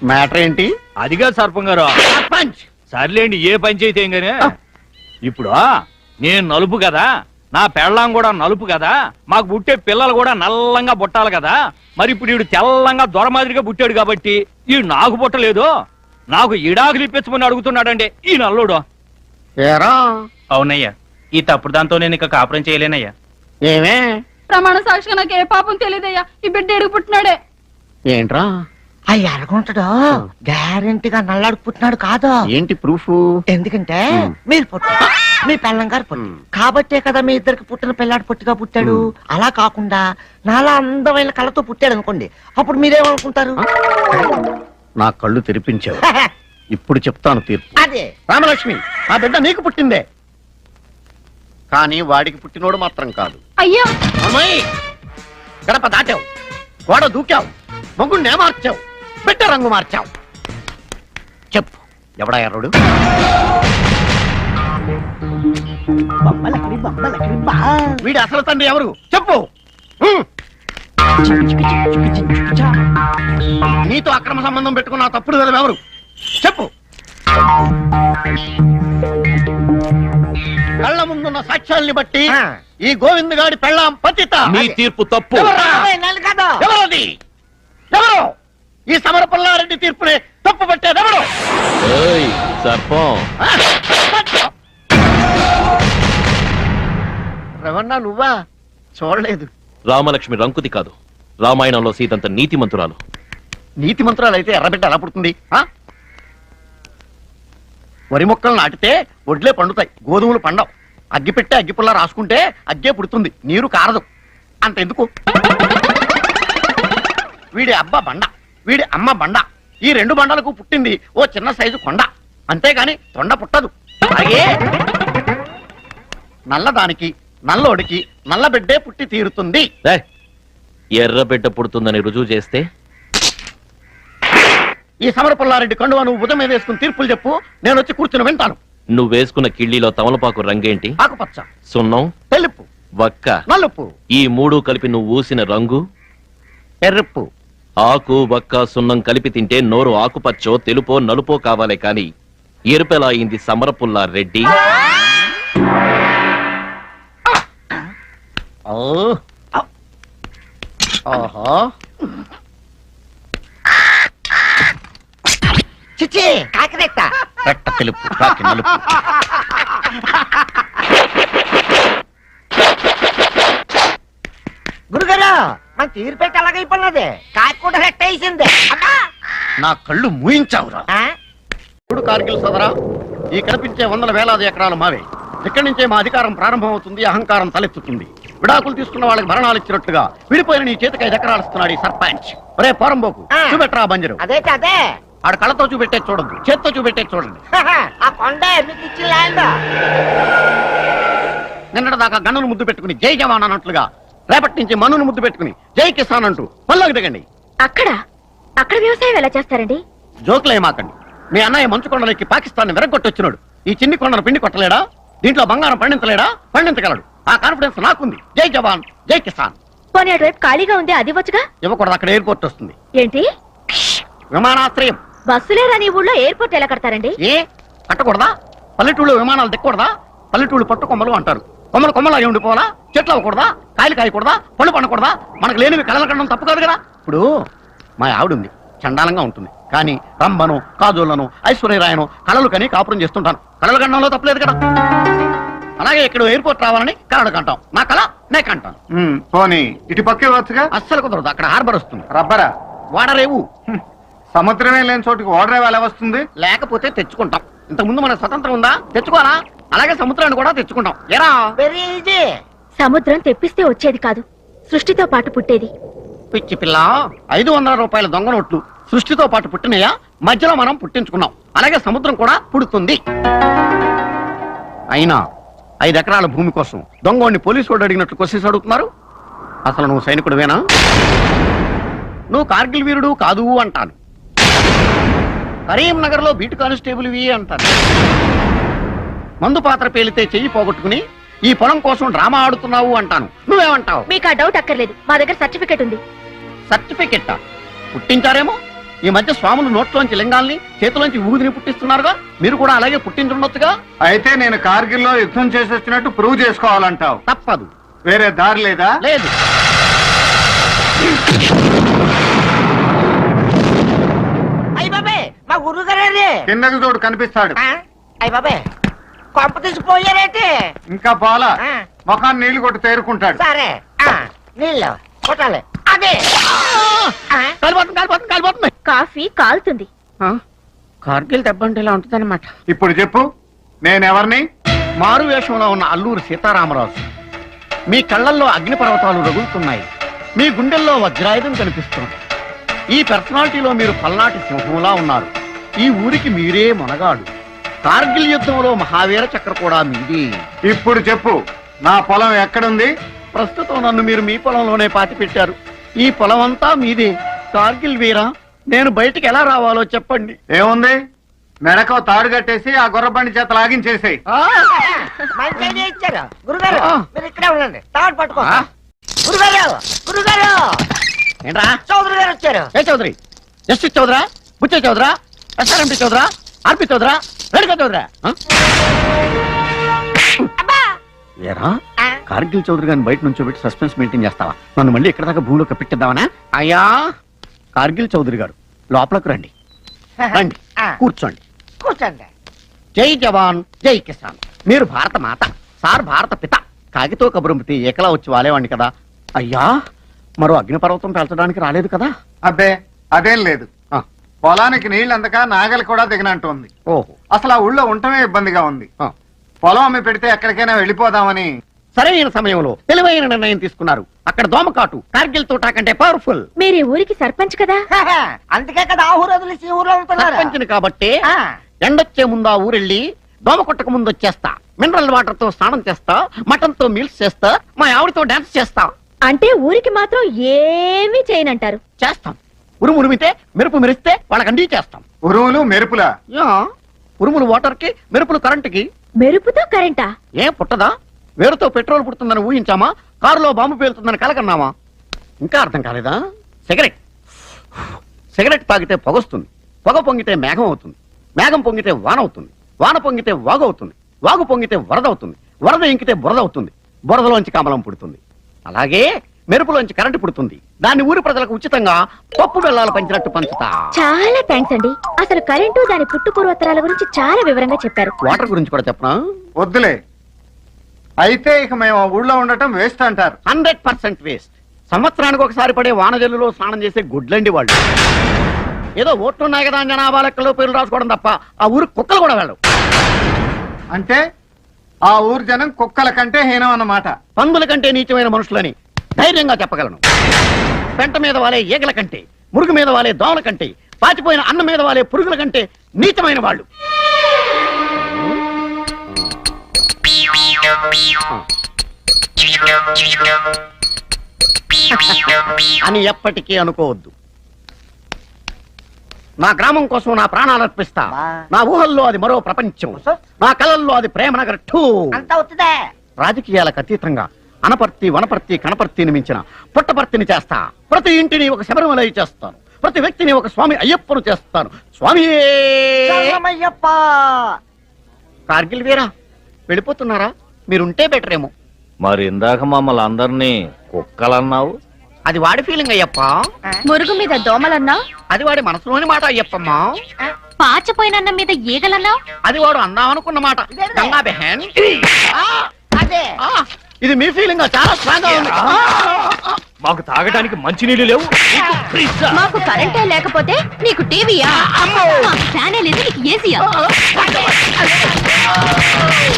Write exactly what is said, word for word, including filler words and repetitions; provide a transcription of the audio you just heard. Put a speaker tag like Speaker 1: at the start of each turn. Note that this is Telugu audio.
Speaker 1: మ్యాటర్ ఏంటి?
Speaker 2: అదిగా సర్పం గారు.
Speaker 1: పంచ్
Speaker 2: సర్లేండి, ఏ పంచాయితీ ఏం గానే. ఇప్పుడు నేను నలుపు కదా, నా పెళ్ళాం కూడా నలుపు కదా, మాకు పుట్టే పిల్లలు కూడా నల్లంగా పుట్టాలి కదా. మరి ఇప్పుడు ఈడు తెల్లంగా దొర మాదిరిగా పుట్టాడు కాబట్టి ఈ నాకు పుట్టలేదు, నాకు ఇడాకులు ఇప్పించమని అడుగుతున్నాడండి ఈ నల్లుడు.
Speaker 1: ఏరా?
Speaker 3: అవునయ్యా, ఈ తప్పుడు దాంతో నేను ఇక కాపురం చేయలేనయ్యా.
Speaker 1: ఏమే?
Speaker 4: ప్రమాణ సాక్షిగా నాకు ఏ పాపం తెలియదయ్యా, ఈ బిడ్డ ఎడుగు పుట్టినాడే.
Speaker 1: ఏంట్రా?
Speaker 5: అయ్యి అడగుంటాడు గ్యారెంటీగా నల్లాడు పుట్టినాడు కాదు.
Speaker 1: ఏంటి ప్రూఫ్?
Speaker 5: ఎందుకంటే మీరు పుట్టు మీ పెళ్ళం గారు పుట్టు కాబట్టే కదా మీ ఇద్దరికి పుట్టిన పిల్లాడు పొట్టిగా పుట్టాడు. అలా కాకుండా నాలా అందమైన కళ్ళతో పుట్టాడు అనుకోండి, అప్పుడు మీరేమనుకుంటారు?
Speaker 1: నా కళ్ళు తెరిపించావు, ఇప్పుడు చెప్తాను తీర్పు.
Speaker 5: అదే
Speaker 1: రామలక్ష్మి, ఆ బిడ్డ నీకు పుట్టిందే, కానీ వాడికి పుట్టినోడు మాత్రం కాదు.
Speaker 4: అయ్యా
Speaker 1: అమ్మాయి, గడప దాటావు, గోడ దూకావు, మొగ్గుండే మార్చావు, బిడ్డ రంగు మార్చావు. చెప్పు, ఎవడా ఎర్రుడు? వీడి అసలు తండ్రి ఎవరు చెప్పు. నీతో అక్రమ సంబంధం పెట్టుకున్న తప్పుడు కదా ఎవరు చెప్పు. కళ్ళ ముందున్న సాక్ష్యాల్ని బట్టి ఈ గోవింద్ గాడి పెళ్ళాం పతిత.
Speaker 2: మీ తీర్పు తప్పు.
Speaker 1: ఎవరది? ఎవరు ఈ సమర పుల్లారెడ్డి తీర్పుని తప్పు పట్టేది ఎవరు?
Speaker 2: సర్పం
Speaker 1: రవణ, నువ్వా? చూడలేదు.
Speaker 6: రామలక్ష్మి రంకుతి కాదు, రామాయణంలో సీతంత నీతి మంతురాలు.
Speaker 1: నీతి మంత్రాలు అయితే ఎర్రబిడ్డ ఎలా పుడుతుంది? వరి మొక్కలు నాటితే వడ్లే పండుతాయి, గోధుమలు పండవు. అగ్గి పెట్టే అగ్గిపుల్ల రాసుకుంటే అగ్గే పుడుతుంది, నీరు కారదు. అంతెందుకు, వీడి అబ్బ బండ, వీడి అమ్మ బండ, ఈ రెండు బండలకు పుట్టింది ఓ చిన్న సైజు కొండ, అంతేగాని తొండ పుట్టదు. అలాగే నల్లదానికి నల్లోడికి నల్ల బిడ్డే పుట్టి తీరుతుంది.
Speaker 6: ఎర్ర బిడ్డ పుడుతుందని రుజువు చేస్తే
Speaker 1: ఈ సమర పుల్లారెడ్డి కండువా నువ్వు ఉదయం మీద వేసుకుని తీర్పులు చెప్పు, నేను వచ్చి కూర్చుని వింటాను.
Speaker 6: నువ్వు వేసుకున్న కిళ్ళీలో తమలపాకు రంగేంటి?
Speaker 1: ఆకుపచ్చ.
Speaker 6: సున్నం?
Speaker 1: తెలుపు.
Speaker 6: వక్క?
Speaker 1: నలుపు.
Speaker 6: ఈ మూడు కలిపి నువ్వు ఊసిన రంగు?
Speaker 1: ఎర్రపు.
Speaker 6: ఆకు వక్క సున్నం కలిపి తింటే నోరు ఆకుపచ్చో తెలుపో నలుపో కావాలే కాని ఎరుపెలా అయింది సమర పుల్లారెడ్డి?
Speaker 5: చిచ్చి కాకిరెట్ట
Speaker 1: రెట్ట తెలుపు, కాకి నలుపు.
Speaker 5: గురుగారు మన తీరు పెట్టి అలాగైపోయినది, కాకి కూడా రెట్ట వేసింది.
Speaker 1: నా కళ్ళు మూయించావురా. ఇప్పుడు కార్గిల్ సోదరా, ఈ కనిపించే వందల వేలాది ఎకరాలు మావే. ఇక్కడి నుంచే మా అధికారం ప్రారంభం అవుతుంది, అహంకారం తలెత్తుతుంది. విడాకులు తీసుకున్న వాళ్ళకి భరణాలు ఇచ్చినట్టుగా విడిపోయిన నీ చేతికి ఐదు ఎకరాలు ఇస్తున్నాడు ఈ సర్పంచ్. ఒరే పోరంబోకు, చూపెట్టరా బంజరు.
Speaker 5: అదే అదే
Speaker 1: ఆడ కళ్ళతో చూపెట్టే చూడద్దు, చేత్తో చూపెట్టే చూడండి.
Speaker 5: ఆ కొండే మీకు ఇచ్చిన ల్యాండ్.
Speaker 1: నిన్నటి దాకా గన్నును ముద్దు పెట్టుకుని జై జవాన్ అన్నట్లుగా రేపటి నుంచి మన్నును ముద్దు పెట్టుకుని జై కిసాన్ అంటూ పల్లోకి దిగండి.
Speaker 4: అక్కడ అక్కడ వ్యవసాయం ఎలా చేస్తారండి?
Speaker 1: జోకులు ఏమాకండి. మీ అన్నయ్య మంచు కొండలకి పాకిస్తాన్ విరగొట్టొచ్చినాడు, ఈ చిన్ని కొండను పిండి కొట్టలేడా? దీంట్లో బంగారం పండించలేడా? పండించగలడు. ఆ కాన్ఫిడెన్స్ నాకుంది. జై జవాన్ జై కిసాన్.
Speaker 4: పోనీ అటువైపు ఖాళీగా ఉంది, అది వచ్చుగా.
Speaker 1: ఇవ్వకూడదు, అక్కడ ఎయిర్పోర్ట్ వస్తుంది.
Speaker 4: ఏంటి?
Speaker 1: విమానాశ్రయం.
Speaker 4: బస్సులే రాని ఊళ్ళో ఎయిర్పోర్ట్ ఎలా కడతారండి?
Speaker 1: ఏ కట్టకూడదా? పల్లెటూళ్ళు విమానాలు దిక్కకూడదా? పల్లెటూళ్ళు పట్టు కొమ్మలు అంటారు. కొమ్మలు కొమ్మలు అయి ఉండిపోవాలా? చెట్లు అవ్వకూడదా? కాయలు కాయకూడదా? పళ్ళు పండకూడదా? మనకు లేనివి కళలు కనడం తప్పు కాదు కదా. ఇప్పుడు మా ఆవిడుంది, చండాలంగా ఉంటుంది, కానీ రంభను కాజోళ్లను ఐశ్వర్యరాయను కళలు కని కాపురం చేస్తుంటాను. కళలు కనడంలో తప్పలేదు కదా. అలాగే ఇక్కడ ఎయిర్పోర్ట్ రావాలని కళలు కంటాం. నా కళ నే కంటాను.
Speaker 7: పోనీ ఇటు పక్కే వచ్చుగా.
Speaker 1: అస్సలు కుదరదు, అక్కడ హార్బర్ వస్తుంది.
Speaker 7: రబ్బరా?
Speaker 1: వాడరేవు.
Speaker 7: సముద్రమే లేని చోటుకి ఓడరేవు ఎలా వస్తుంది?
Speaker 1: లేకపోతే తెచ్చుకుంటాం. ఇంతకుముందు మన స్వతంత్రం ఉందా? తెచ్చుకోవాలా? అలాగే సముద్రాన్ని కూడా తెచ్చుకుంటాం. ఎరా?
Speaker 5: Very easy.
Speaker 4: సముద్రం తెప్పిస్తే వచ్చేది కాదు, సృష్టితో పాటు పుట్టేది.
Speaker 1: పిచ్చి పిల్ల, ఐదు వందల రూపాయల దొంగ నోట్లు సృష్టితో పాటు పుట్టినయా? మధ్యలో మనం పుట్టించుకున్నాం. అలాగే సముద్రం కూడా పుడుతుంది. అయినా ఐదు ఎకరాల భూమి కోసం దొంగోడిని పోలీసు వాడు అడిగినట్లు క్వశ్చన్స్ అడుగుతున్నారు. అసలు నువ్వు సైనికుడివేనా? నువ్వు కార్గిల్ వీరుడు కాదు అంటాను. కరీంనగర్ లో బీటు కానిస్టేబుల్ ఇవి అంటాను. మందు పాత్ర పేలితే చెయ్యి పోగొట్టుకుని ఈ పొలం కోసం డ్రామా ఆడుతున్నావు అంటాను. నువ్వేమంటావు?
Speaker 4: మీకు ఆ డౌట్ అక్కర్లేదు, మా దగ్గర సర్టిఫికెట్ ఉంది.
Speaker 1: సర్టిఫికెట్ పుట్టించారేమో, ఈ మధ్య స్వాములు నోట్లోంచి లింగాల్ని చేతిలోంచి ఊదిని పుట్టిస్తున్నారుగా మీరు కూడా అలాగే పుట్టించుండొచ్చుగా.
Speaker 7: అయితే నేను కార్గిల్లో యుద్ధం చేసి వచ్చినట్టు ప్రూవ్ చేసుకోవాలంటావు.
Speaker 1: తప్పదు.
Speaker 7: వేరే దారి లేదా?
Speaker 1: లేదు.
Speaker 5: అయ్య బాబే మా గురువు గారే
Speaker 7: కిందకి చూడు కనిపిస్తాడు.
Speaker 5: అయ్య బాబే కొంప తీసిపోయారేంటి?
Speaker 7: ఇంకా పోలా,
Speaker 5: ఆ.
Speaker 7: ముఖాన్ని నీళ్లు కొట్టి తేరుకుంటాడు.
Speaker 5: సరే ఆ, నీళ్ళు కొట్టాలి. అదే ఆ,
Speaker 1: కాలిపోతుంది కాలిపోతుంది కాలిపోతుంది.
Speaker 4: కాఫీ కాలుతుంది.
Speaker 1: ఆ, కార్గిల్ దెబ్బ అంటే ఇలా ఉంటుందన్నమాట.
Speaker 7: ఇప్పుడు చెప్పు, నేనెవరిని?
Speaker 1: మారు వేషంలో ఉన్న అల్లూరు సీతారామరాజు. మీ కళ్ళల్లో అగ్నిపర్వతాలు రగులుతున్నాయి, మీ గుండెల్లో వజ్రాయుధం కనిపిస్తుంది. ఈ పర్సనాలిటీలో మీరు పల్నాటి సింహంలా ఉన్నారు. ఈ ఊరికి మీరే మొనగాడు. కార్గిల్ యుద్ధంలో మహావీర చక్ర కూడా మీది.
Speaker 7: ఇప్పుడు చెప్పు, నా పొలం ఎక్కడుంది?
Speaker 1: ప్రస్తుతం నన్ను మీరు మీ పొలంలోనే పాతి పెట్టారు. ఈ పొలం అంతా మీదే. కార్గిల్ వీరా, నేను బయటికి ఎలా రావాలో చెప్పండి.
Speaker 7: ఏముంది, మెడకో తాడు కట్టేసి ఆ గుర్రబండి చేత లాగించేసేయ్.
Speaker 1: ఆ!
Speaker 5: మంచి ఐడియా ఇచ్చారు గురుగారు.
Speaker 1: ఆ.
Speaker 5: మీరు ఇక్కడే ఉండండి, తాడు పట్టుకో.
Speaker 1: ఆ?
Speaker 5: గురుగారు గురుగారు
Speaker 1: ఏంట్రా?
Speaker 5: చౌదరి గారు వచ్చారు.
Speaker 1: ఏ చౌదరి? జస్టిస్ చౌదరా, బుచ్చే చౌదరా, ఎస్ఆర్ఎంపీ చౌదరా, ఆర్పి చౌదరా, రేణుకా చౌదరా? ఆ? ఏరా,
Speaker 5: ఆ.
Speaker 1: కార్గిల్ చౌదరి గారిని బయట నుంచి పెట్టి సస్పెన్స్ మెయింటైన్ చేస్తావా? నన్ను మళ్ళీ ఎక్కడ దాకా భూమిలో కప్పెట్టిద్దామనా? అయ్యా, కార్గిల్ చౌదరి గారు లోపలకు రండి. రండి,
Speaker 5: ఆ.
Speaker 1: కూర్చోండి.
Speaker 5: కూర్చోండి.
Speaker 1: జై జవాన్ జై కిసాన్. మీరు భారత మాత, సార్ భారత పిత. కాగితో కబురంపితే ఏకలా వచ్చి వాలేవాడిని కదా. అయ్యా, మరో అగ్నిపర్వతం పేల్చడానికి రాలేదు కదా?
Speaker 7: అబ్బే అదేం లేదు.
Speaker 1: ఆ,
Speaker 7: పొలానికి నీళ్ళు అందక నాగలి కూడా దిగనంటుంది.
Speaker 1: ఓహో.
Speaker 7: అసలు ఆ ఊళ్ళో ఉండటమే ఇబ్బందిగా ఉంది.
Speaker 1: ఆ.
Speaker 7: పొలం అమ్మి పెడితే ఎక్కడికైనా వెళ్ళిపోదామని.
Speaker 1: సరైన సమయంలో తెలివైన నిర్ణయం తీసుకున్నారు. అక్కడ దోమకాటు కార్గిల్ తోటా కంటే పవర్ఫుల్.
Speaker 4: మీరు ఈ ఊరికి సర్పంచ్ కదా.
Speaker 5: అందుకే కదా ఆ ఊరు వదిలేసి ఈ ఊర్లో ఉంటున్నారు.
Speaker 1: సర్పంచిని కాబట్టి
Speaker 5: ఆ.
Speaker 1: ఎండొచ్చే ముందు ఆ ఊరెళ్ళి దోమ కొట్టక ముందు వచ్చేస్తా. మినరల్ వాటర్ తో స్నానం చేస్తా, మటన్ తో మీల్స్ చేస్తా, మా ఆవిడతో డాన్స్ చేస్తా.
Speaker 4: అంటే ఊరికి మాత్రం ఏమీ చేయనంటారు.
Speaker 1: చేస్తాం. ఉరుము ఉరిమితే మెరుపు మెరిస్తే వాళ్ళకి అండి చేస్తాం.
Speaker 7: ఉరువులు మెరుపులా?
Speaker 1: యా, ఉరుములు వాటర్ కి, మెరుపులు కరెంటుకి.
Speaker 4: మెరుపుతో కరెంటా?
Speaker 1: ఏం పుట్టదా? వేరుతో పెట్రోల్ పుడుతుందని ఊహించామా? కారులో బాంబు పేలుతుందని కలకన్నామా? ఇంకా అర్థం కాలేదా? సిగరెట్ సిగరెట్ తాగితే పొగొస్తుంది, పొగ పొంగితే మేఘం అవుతుంది, మేఘం పొంగితే వాన అవుతుంది, వాన పొంగితే వాగు అవుతుంది, వాగు పొంగితే వరద అవుతుంది, వరద ఇంకితే బురద అవుతుంది, బురదలోంచి కమలం పుడుతుంది. అలాగే మెరుపులోంచి కరెంటు పుడుతుంది. దాన్ని ఊరి ప్రజలకు ఉచితంగా పప్పు బెల్లాలు పంచినట్టు పంచుతా.
Speaker 4: చాలా థ్యాంక్స్ అండి. అసలు కరెంటు దాని పుట్టు పూర్వోత్తరాల గురించి చాలా వివరంగా చెప్పారు.
Speaker 1: వాటర్ గురించి కూడా చెప్పనా?
Speaker 7: వద్దులే. అయితే ఇక మేము ఆ ఊళ్ళో ఉండటం వేస్ట్ అంటారు.
Speaker 1: Hundred percent waste. సంవత్సరానికి ఒకసారి పడే వానజల్లులో స్నానం చేసే గుడ్లండి వాళ్ళు. ఏదో ఓట్లున్నాయి కదా అని జనాభా లెక్కలో పేర్లు రాసుకోవడం తప్ప ఆ ఊరు కుక్కలు కూడా వెళ్ళవు.
Speaker 7: అంటే ఆ ఊరు జనం కుక్కల కంటే హీనం అన్నమాట.
Speaker 1: పందుల కంటే నీచమైన మనుషులని ధైర్యంగా చెప్పగలను. పెంట మీద వాలే ఈగల కంటే, మురుగు మీద వాలే దోమల కంటే, పాచిపోయిన అన్నం మీద వాలే పురుగుల కంటే నీచమైన వాళ్ళు. అని ఎప్పటికీ అనుకోవద్దు. నా గ్రామం కోసం నా ప్రాణాలు అర్పిస్తా. నా ఊహల్లో అది మరో ప్రపంచం, నా కళల్లో అది ప్రేమ నగర్ టూ.
Speaker 5: అంతా అవుతుందే.
Speaker 1: రాజకీయాలకు అతీతంగా అనపర్తి, వనపర్తి, కనపర్తిని మించిన పుట్టపర్తిని చేస్తా. ప్రతి ఇంటిని ఒక శబరిమలై చేస్తాను. ప్రతి వ్యక్తిని ఒక స్వామి అయ్యప్పను చేస్తాను. స్వామి
Speaker 5: శరణమయ్యప్ప.
Speaker 1: కార్గిల్ వీరా, వెళ్ళిపోతున్నారా? మీరుంటే బెటర్ ఏమో.
Speaker 2: మరి ఇందాక మమ్మల్ని అందరినీ కుక్కలన్నావు.
Speaker 1: అది వాడి ఫీలింగ్ అయ్యప్ప.
Speaker 4: మురుగు మీద దోమలన్నా,
Speaker 1: అది వాడి మనసులోని మాట అయ్యప్పమ్మా.
Speaker 4: పాచపోయినన్న మీద ఈగలన్నా,
Speaker 1: అది వాడు అందామనుకున్న మాట. గంగా బెహన్. ఆ,
Speaker 5: అదే
Speaker 1: ఆ, ఇది మీ ఫీలింగ్ చాలా స్ట్రాంగ్ గా ఉంది.
Speaker 2: మాకు తాగడానికి మంచినీళ్ళు లేవు. నీకు ఫ్రిజ్జా?
Speaker 4: మాకు కరెంటే లేకపోతే నీకు టీవీయా? మాకు ఫ్యానే లేదు, నీకు ఏసీయా?